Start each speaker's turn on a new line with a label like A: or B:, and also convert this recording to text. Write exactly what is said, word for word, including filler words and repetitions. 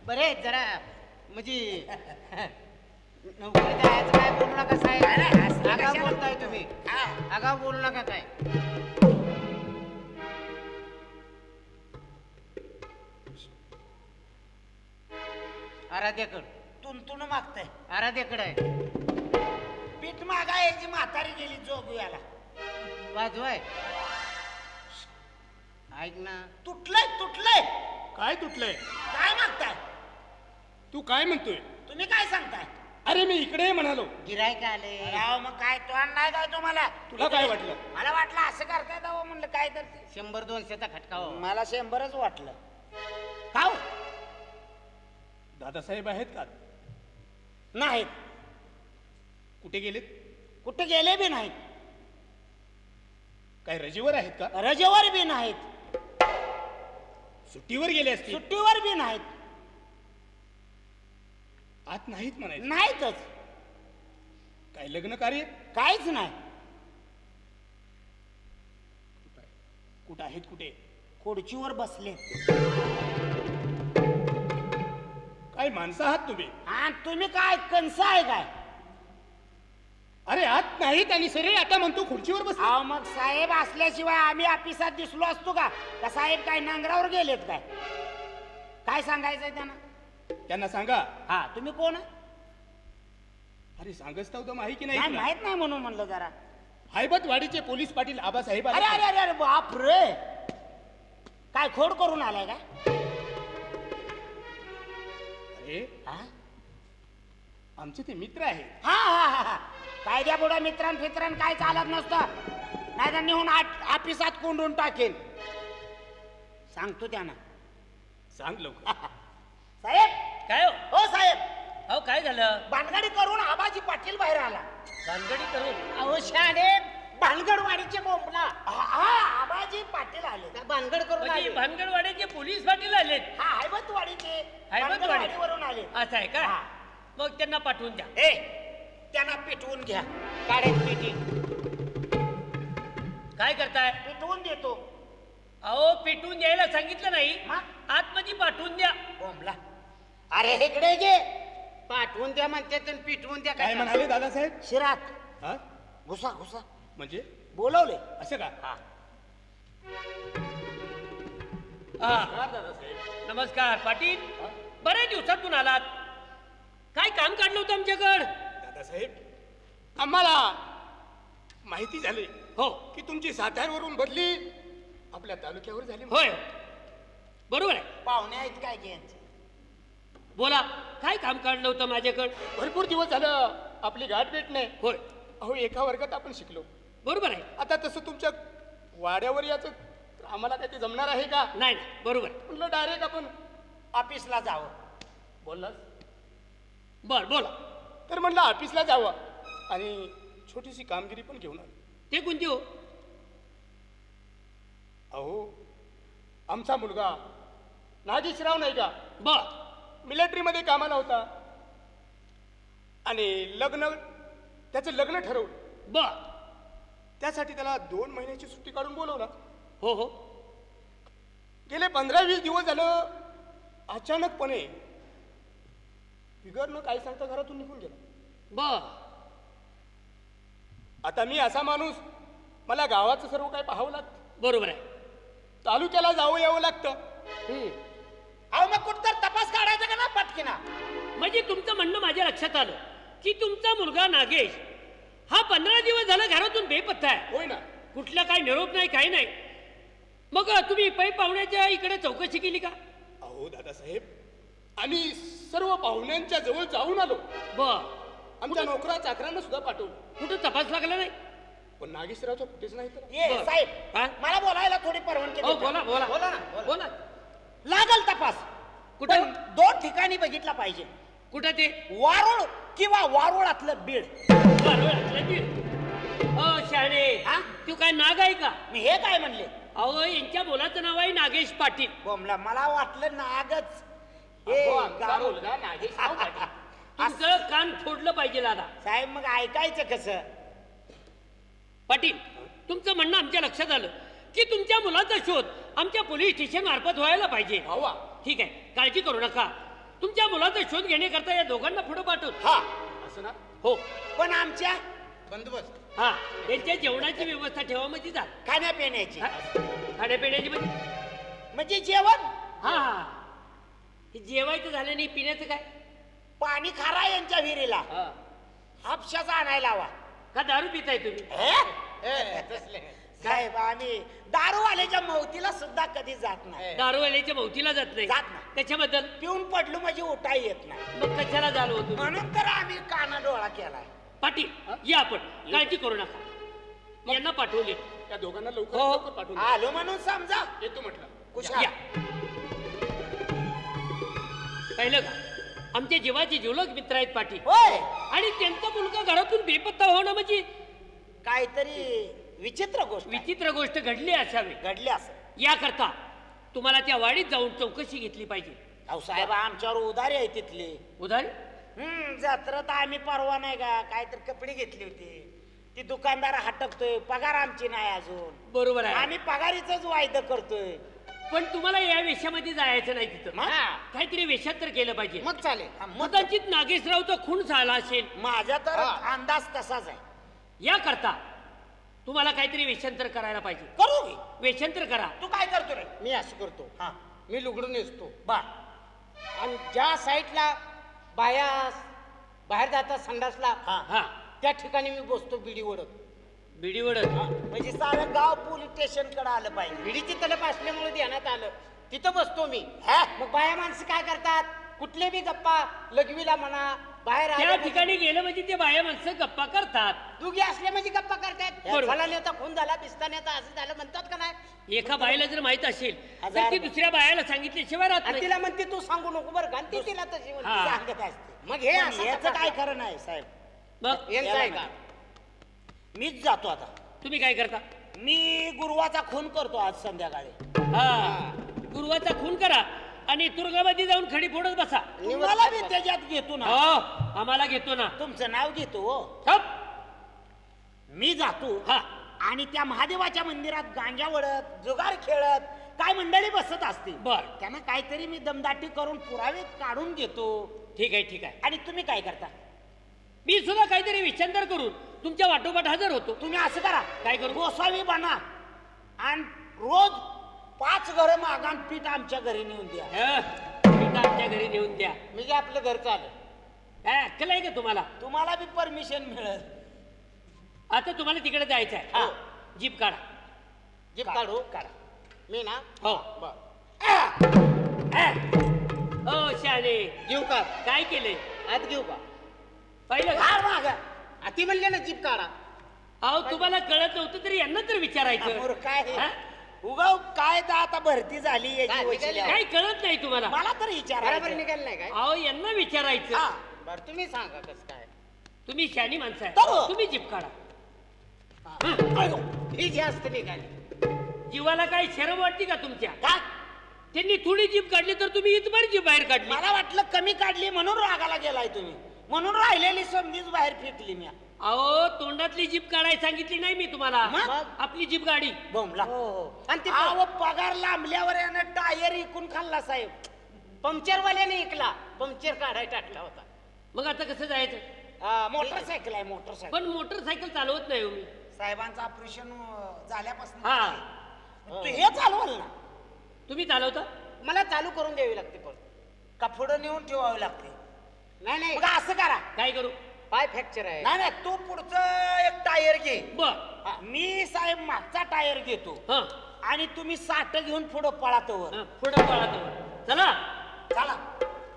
A: बरे जरा म्हणजे नोकरी द्यायचं काय बोलू नका साहेब. आगाव बोलताय तुम्ही, आगाव बोलू नका काय. आराध्याकड
B: तुंतुन मागताय.
A: आराध्याकडे आहे.
B: पीठ मागा याची म्हातारी गेली जोगव्याला.
A: वाजवाय ऐक ना.
B: तुटलंय तुटलंय.
C: काय तुटलंय?
B: काय मागताय
C: तू काय म्हणतोय?
B: तुम्ही? काय सांगताय?
C: अरे मी इकडे म्हणालो.
A: गिरायक आले.
B: राव मग काय तो नाही काय तुम्हाला?
C: तुला काय वाटलं?
B: मला वाटलं असं करताय दावा म्हणलं काय तर ते.
A: शंभर दोनशेचा खटका हो.
B: मला शंभरच वाटलं. का हो?
C: दादासाहेब आहेत का?
B: नाहीत.
C: कुठे गेलेत?
B: कुठे गेले बी नाहीत.
C: काय रजेवर आहेत का?
B: रजेवर बी नाहीत.
C: सुट्टीवर गेले असतील.
B: सुट्टीवर बी नाहीत.
C: आत नाहीत म्हणायचं.
B: नाहीतच.
C: काय लग्न कार्य?
B: काहीच नाही.
C: कुठं आहेत? कुठे?
B: खुर्चीवर बसले.
C: काय माणसं आहात तुम्ही?
B: हा तुम्ही काय कंस आहे काय?
C: अरे आत नाहीत आणि सरे आता म्हणतो खुर्चीवर बस.
B: अहो मग साहेब असल्याशिवाय आम्ही ऑफिसात दिसलो असतो का? का साहेब काय नांगरावर गेलेत काय? काय सांगायचंय त्यांना?
C: त्यांना सांगा.
B: हा तुम्ही कोण?
C: अरे सांगच तर माहिती
B: नाही
C: नाही.
B: माहित नाही म्हणून म्हणलं जरा.
C: हैबतवाडीचे पोलीस पाटील आबासाहेब
B: अरे अरे अरे अरे बाप रे. काय खोड करून आलाय का?
C: अरे
B: हा
C: आमचे ते मित्र आहेत.
B: हा हा हा हा. कायद्या बुडा मित्रां फित्रां काय चालत नसतं. नाही तर नेऊन ऑफिसात कोंडून टाकेन. सांगतो त्यांना.
C: सांग लवकर.
B: साहेब
D: काय हो?
B: हो साहेब.
D: अहो काय झालं?
B: भानगडी करून आबाजी पाटील बाहेर आला.
D: भानगडी करून?
A: अहो शाणे भानगडवाडीचे बोंबला.
B: हा हा, आबाजी पाटील आले.
A: का भानगड करून
D: म्हणजे
A: आले?
D: भानगडवाड्याचे पोलीस पाटील आलेत.
B: हा हैबतवाडीचे.
D: हैबतवाडी
B: वरून आले.
D: असं आहे का?
B: हा.
D: मग त्यांना पाठवून द्या.
B: ए त्यांना पिटवून घ्या.
A: काढायची पेटी.
D: काय करताय?
B: पिटवून देतो.
D: अहो पेटवून द्यायला सांगितलं नाही.
B: हा?
D: आतमध्ये पाठवून द्या.
B: बोंबला. अरे इकडे घे.
A: पाठवून द्या म्हणते तर पिटवून द्या.
C: काय म्हणाले दादासाहेब?
B: शिरात
C: हा
B: घुसा घुसा.
C: म्हणजे
B: बोलवले.
C: असं का?
B: हा.
D: हा नमस्कार पाटील. बऱ्याच दिवसातून आलात. काय काम काढलं होतं आमच्याकडं?
C: दादासाहेब आम्हाला माहिती झाली
D: हो.
C: की तुमची साताऱ्यावरून बदली आपल्या तालुक्यावर झाली.
D: होय बरोबर आहे.
B: पाहुणे आहेत काय घ्यायचे?
D: बोला काय काम काढलं होतं माझ्याकडं?
C: भरपूर दिवस झालं आपली गाठ भेट नाही.
D: होय
C: अहो एका वर्गात आपण शिकलो.
D: बरोबर आहे.
C: आता तसं तुमच्या वाड्यावर याचं आम्हाला काय ते जमणार आहे का?
D: नाही नाही बरोबर आहे.
C: म्हटलं डायरेक्ट आपण
B: ऑफिसला जावं.
C: बोललास
D: बर बोला.
C: तर म्हटलं ऑफिसला जावं आणि छोटीशी कामगिरी पण घेऊन आलो.
D: ते कोणती हो?
C: अहो आमचा मुलगा नागेशराव नाही का,
D: बर
C: मिलिटरीमध्ये कामाला होता आणि लग्न त्याचं लग्न ठरवलं.
D: बर
C: त्यासाठी त्याला दोन महिन्याची सुट्टी काढून बोलवला.
D: हो हो
C: गेले पंधरा वीस दिवस झालं अचानकपणे बिगर न काय सांगता घरातून निघून गेला.
D: बर
C: आता मी असा माणूस, मला गावाचं सर्व काय पाहावं लागतं,
D: बरोबर आहे.
C: तालुक्याला जावं यावं लागतं.
D: हम्म.
B: अहो मग कुठं तर तपास काढायचा का ना पटकिना?
D: म्हणजे तुमचं म्हणणं माझ्या लक्षात आलं की तुमचा मुलगा नागेश हा पंधरा दिवस झाला घरातून बेपत्ता आहे.
C: होय ना.
D: कुठला काय निरोप नाही काही नाही. मग तुम्ही पै पाहुण्याच्या इकडे चौकशी केली का?
C: अहो दादासाहेब आम्ही सर्व पाहुण्यांच्या जवळ जाऊन आलो.
D: बर
C: आमच्या नोकरा चाकरांना सुद्धा पाठवलं,
D: कुठं तपास लागला नाही?
C: पण नागेशरावचं कुठेच नाही. तर
B: ये
D: बरं.
B: साहेब
D: हा?
B: मला बोलायला थोडी परवानगी
D: हो
B: देता?
D: बोला बोला
A: बोला ना, बोला.
D: बोला.
B: लागल तपास.
D: कुठं?
B: पण दोन ठिकाणी बघितला पाहिजे.
D: कुठं ते?
B: वारुळ किंवा वारुळातलं बीड.
D: बरोबर बीड. हो शहाणे
B: हा?
D: तू काय नाग आहे का?
B: मी हे काय म्हणले?
D: अहो यांच्या मुलाचं नाव आहे नागेश पाटील.
B: बोमला मला वाटलं नागच. हे
C: अहो, आमचा
B: गाव-
C: मुलगा नागेशराव पाटील.
D: तुमचं कान फोडलं पाहिजे दादा.
B: साहेब मग ऐकायचं कसं?
D: पाटील तुमचं म्हणणं आमच्या लक्षात आलं की तुमच्या मुलाचा शोध आमच्या पोलीस स्टेशन मार्फत व्हायला पाहिजे.
C: व्हावा.
D: ठीक आहे काळजी करू नका. तुमच्या मुलाचा शोध घेण्याकरता या दोघांना पुढे पाठवतो.
B: हा
C: असं ना?
D: हो.
B: पण आमच्या
A: बंदोबस्त.
D: हा त्यांच्या जेवणाची व्यवस्था ठेवा म्हणजे जा.
B: खाण्यापिण्याची
D: हा? खाण्यापिण्याची म्हणजे
B: म्हणजे जेवण
D: हा हा हे जेवायचं झालं नाही, पिण्याचं काय?
B: पाणी खारा यांच्या विहिरीला
D: हा.
B: हापशाचा आणायला हवा.
D: का दारू पिताय तुम्ही?
B: हे?
A: ए, तसले.
B: साहेब आम्ही दारूवाल्याच्या मौतीला सुद्धा कधी जात नाही
D: दारूवाल्याच्या मौतीला जात नाही.
B: जात नाही.
D: त्याच्याबद्दल
B: पिऊन पडलो म्हणजे उठाई येत नाही
D: मग कशाला झालो होतो?
B: म्हणून तर आम्ही काना डोळा केलाय.
D: पाटील या आपण, काळजी करू नका. यांना पाठवले.
C: त्या दोघांना लवकर
D: हो.
C: लवकर पाठवून द्या.
B: आलो म्हणून समजा
C: येतो म्हटलं.
B: कुशाल.
D: या. पाहिलं का, आमच्या जीवाचे जिवलग मित्र आहेत पाटील.
B: होय
D: आणि त्यांचा मुलगा घरातून बेपत्ता होणं म्हणजे
B: काहीतरी विचित्र गोष्ट आहे.
D: विचित्र गोष्ट घडली असावी.
B: घडली असं
D: याकरता तुम्हाला त्या वाडीत जाऊन चौकशी घेतली पाहिजे.
B: अहो साहेब आमच्यावर उधारी आहे तिथली.
D: उधारी?
B: हम्म जत्रेत आम्ही परवा नाही का काहीतरी कपडे घेतली होती. ती दुकानदार हटकतोय, पगार आमची नाही अजून.
D: बरोबर आहे.
B: आम्ही पगारीच वायदा करतोय.
D: पण तुम्हाला या वेशामध्ये जायचं नाही तिथं.
B: मग?
D: काहीतरी वेशात तर केलं पाहिजे.
A: मग चालेल.
B: हा, मग
D: कदाचित नागेशरावचा खून झाला असेल.
B: माझा तर
A: हा.
B: अंदाज तसाच आहे.
D: याकरता तुम्हाला काहीतरी वेशांतर करायला पाहिजे.
B: करू की?
D: वेशांतर करा.
B: तू काय करतो रे?
A: मी असं करतो.
B: हा
A: मी लुगडून नेसतो
B: बर
A: आणि ज्या साईडला बाया बाहेर जातात संडासला
B: हा
D: हा
A: त्या ठिकाणी मी बसतो बिडी ओढत.
D: बिडी वडत.
B: म्हणजे सारं गाव पोलीस स्टेशन कडे आलं पाहिजे.
A: बिडीची तलप असल्यामुळे ध्यानात आलं, तिथं बसतो मी.
B: हा?
A: मग बाया माणसं काय करतात, कुठले बी गप्पा लघवीला म्हणा बाहेर
D: त्या
A: आले
D: ठिकाणी गेलं म्हणजे ते बाया माणसं गप्पा करतात.
A: दुगी असले म्हणजे गप्पा करतात.
D: बरोबर.
A: मला नेता खून झाला, पिस्ता नेता असं झालं म्हणतात का नाही.
D: एका बाईला जर माहित असेल तर
B: हजार
D: ती दुसऱ्या बायाला सांगितल्याशिवाय राहत
A: आणि
D: नाही.
A: तिला म्हणते तू सांगू नको बरं का, आणि ती तिला तशी म्हणते.
D: हा.
B: सांगत असते.
A: मग हे
B: पण
A: असं
B: याचं
A: का
B: काय खरं नाही साहेब.
D: मग
A: यांचं आहे का?
B: मीच जातो आता.
D: तुम्ही काय करता?
B: मी गुरुवाचा खून करतो आज संध्याकाळी.
D: हा गुरुवाचा खून करा आणि तुरुंगामध्ये जाऊन खडी फोडत बसा.
B: तुम्हाला मी त्याच्यात घेतो ना.
D: हो आम्हाला घेतो ना.
B: तुमचं नाव घेतो हो.
D: हप.
B: मी जातो
D: हा
B: आणि त्या महादेवाच्या मंदिरात गांजा वडत जुगार खेळत काय मंडळी बसत असते.
D: बर.
B: त्यांना काहीतरी मी दमदाटी करून पुरावे काढून घेतो.
D: ठीक आहे ठीक आहे.
B: आणि तुम्ही काय करता?
D: मी सुद्धा काहीतरी विचार करून तुमच्या वाटोपाठ हजर होतो.
B: तुम्ही असं करा,
D: काय करू?
B: गोसावी बना आणि रोज पाच घर मागान पीठ आमच्या घरी नेऊन द्या.
D: हं, पीठ आमच्या घरी नेऊन द्या.
A: मी काय आपलं घरचं आलं.
D: काय अक्कल आहे का तुम्हाला?
B: तुम्हाला बी परमिशन मिळेल.
D: आता तुम्हाला तिकडे जायचं आहे.
B: हा.
D: जीप काढा.
A: जीप
B: का-
A: काढू
B: काढा.
A: मी ना.
D: हो
A: बर.
D: हो शाने
A: घेऊ का
D: काय केले?
A: आत घेऊ का?
D: पाहिलं का?
B: फार मागा.
A: आ, ती म्हणले ना जीप काढा.
D: अहो तुम्हाला कळत नव्हतं तरी यांना तर विचारायचं.
B: समोर काय
D: हा?
B: उगाव काय तर आता भरती झाली
A: काय,
B: याची
A: निघाली
B: वशिला.
D: काय कळत नाही तुम्हाला?
B: मला तर
A: बरोबर
B: विचारायचं.
A: निघाल नाही काय.
D: अहो यांना विचारायचं.
B: हा.
A: बर तुम्ही सांगा कसं काय.
D: तुम्ही शानी माणसं
B: तर.
D: आहे, तुम्ही जीप काढा.
A: ही जास्त निघाली.
D: जीवाला काय शरम वाटते का तुमच्या?
B: का?
D: त्यांनी थोडी जीप काढली तर तुम्ही इथभर जीप बाहेर काढली.
B: मला वाटलं कमी काढली म्हणून रागाला गेलाय तुम्ही. म्हणून राहिलेली समधीच बाहेर फेकली मी.
D: अहो तोंडातली जीप काढायला सांगितली नाही मी तुम्हाला.
B: मग?
D: आपली जीप गाडी.
B: बोंबला.
A: हो हो. आणि ते
B: अहो पगार लांबल्यावर यानं टायर इकून खाल्ला साहेब.
A: पंक्चरवाल्याने ऐकला, पंक्चर काढायला टाकला होता.
D: मग आता कसं जायचं?
B: हा, मोटरसायकल आहे मोटरसायकल.
D: पण मोटरसायकल चालवत नाही हो मी.
B: साहेबांचं ऑपरेशन झाल्यापासून
D: हा.
B: तू हे चालवल ना.
D: तुम्ही चालवता?
A: मला चालू करून द्यावी लागते पण.
B: का पुढं नेऊन ठेवावे लागते.
A: नाही नाही
B: मग असं करा.
D: काय करू?
A: पाय फ्रॅक्चर आहे.
B: नाही नाही तू पुढचं एक टायर घे.
D: बर.
B: हा, मी साहेब मागचा टायर घेतो
D: हा
B: आणि तुम्ही साठ घेऊन पुढं पळातो.
D: हा, पुढं पळा तो. चला
B: चला